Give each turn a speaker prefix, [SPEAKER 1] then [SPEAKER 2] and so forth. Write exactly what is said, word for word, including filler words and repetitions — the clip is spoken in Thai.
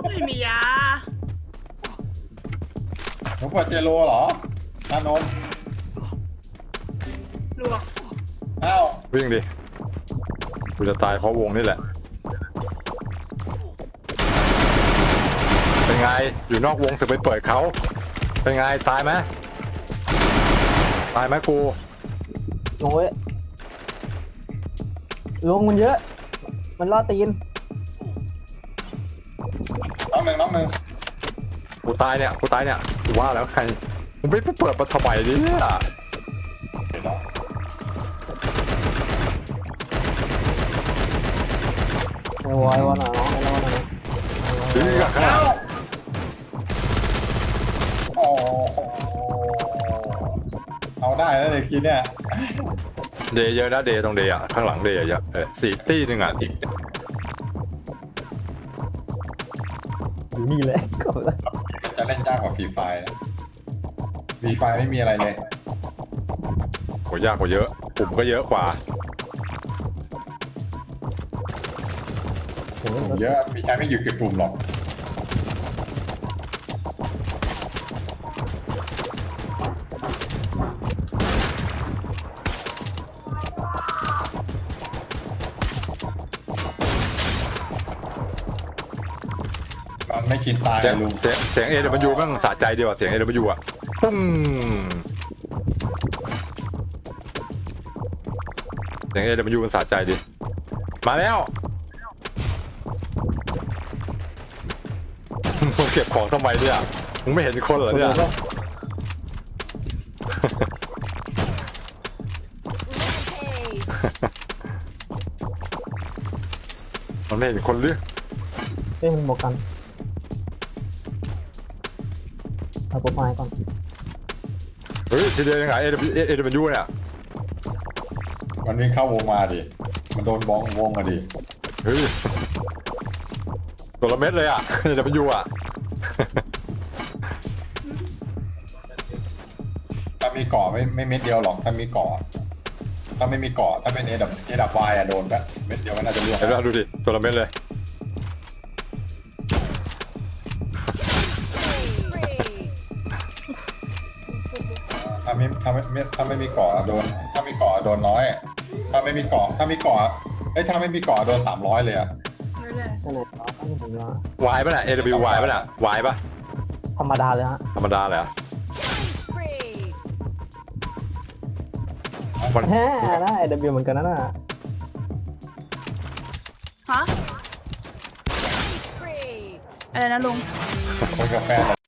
[SPEAKER 1] ไม่มียา
[SPEAKER 2] หนูเปิดเจโรเหรอชานม
[SPEAKER 1] ลวก
[SPEAKER 2] อ้าว
[SPEAKER 3] วิ่งดิกูจะตายเพราะวงนี่แหละเป็นไงอยู่นอกวงสึกไปเปิดเขาเป็นไงตายไหมตายไหมกู
[SPEAKER 4] โอ้ยลงมันเยอะ มันล่อตีน
[SPEAKER 2] น้องหนึ่งน้องหนึ่ง
[SPEAKER 3] กูตายเนี่ยกูตายเนี่ยกูว่าแล้วใครมึงไม่ไปเปิดมาทำไมดิเนี่ย
[SPEAKER 2] เดี๋ยวน้อง
[SPEAKER 4] ไอ้วอยวอหน่อยน้องไอ้วอหน่อย
[SPEAKER 3] ดื้อกัน
[SPEAKER 2] โอ้โหเอาได้แล้วเลยคิดเนี่ย
[SPEAKER 3] เดย์เยอะนะเดย์ตรงเดย์อ่ะข้างหลังเดย์เยอะเออสี่ตี้หนึ่งอ่ะ
[SPEAKER 4] อยู่นี่แหละก็แล้ว
[SPEAKER 2] จะเล่นยากกว่าฟรีไฟฟรีไฟไม่มีอะไรเลย
[SPEAKER 3] โหยากกว่าเยอะปุ่มก็เยอะกว่า
[SPEAKER 4] โอ้ย
[SPEAKER 2] เยอะมีใช้ไม่หยุดเก็บกลุ่มหรอกมันไม่คิดตาย
[SPEAKER 3] เสียง
[SPEAKER 2] ลุง
[SPEAKER 3] เสียงเสียงเอเดมันยูแม่งสะใจดีว่ะเสียงเอเดมันยูอ่ะปุ้งเสียงเอเดมันยูมันสะใจดีมาแล้วมึงเก็บของทำไมเนี่ยมึงไม่เห็นคนเหรอเนี่ยมันไม่เห็นคนหรือ
[SPEAKER 4] เอ้ยมันบอกกันเอาโปรไฟล์ก่อน
[SPEAKER 3] เฮ้ยทีเดียวยังไงเอเดเอเดมันยูเนี่ย
[SPEAKER 2] มันวิ่งเข้าวงมาดิมันโดนบ้องวงมาดิ
[SPEAKER 3] เฮ้ยตัวละเม็ดเลยอ่ะเอเดมันยูอ่ะ
[SPEAKER 2] ถ้ามีเกาะไม่ไม่เม็ดเดียวหรอกถ้ามีเกาะถ้าไม่มีเกาะถ้าเป็นเอดับเอดับวายอะโดนแบบเม็ดเดียวก็น่าจะล่วง
[SPEAKER 3] เห็นไหมดูดิตัวละเม็ดเลย
[SPEAKER 2] ถ้าไม่ถ้าไม่ถ้าไม่มีเกาะโดน ถ้ามีเกาะโดนน้อย ถ้าไม่มีเกาะถ้ามีเกาะเอ้ยถ้าไม่มีเกาะโดนสามร้อยเลยอะ
[SPEAKER 1] ไม่เลย
[SPEAKER 4] นั่นแหละน้องต้องถึงว่าว
[SPEAKER 3] ายป่ะน่ะ เอ ดับเบิลยู วายป่ะน่ะวายป่ะ
[SPEAKER 4] ธรรมดาเลยฮะ
[SPEAKER 3] ธรรมดาเลยเหรอ่ะมัน
[SPEAKER 4] แฮ่ได้เดบิวเหมือนกันนะน่ะ
[SPEAKER 1] ฮะอะไรนะลุง
[SPEAKER 2] คนกาแฟ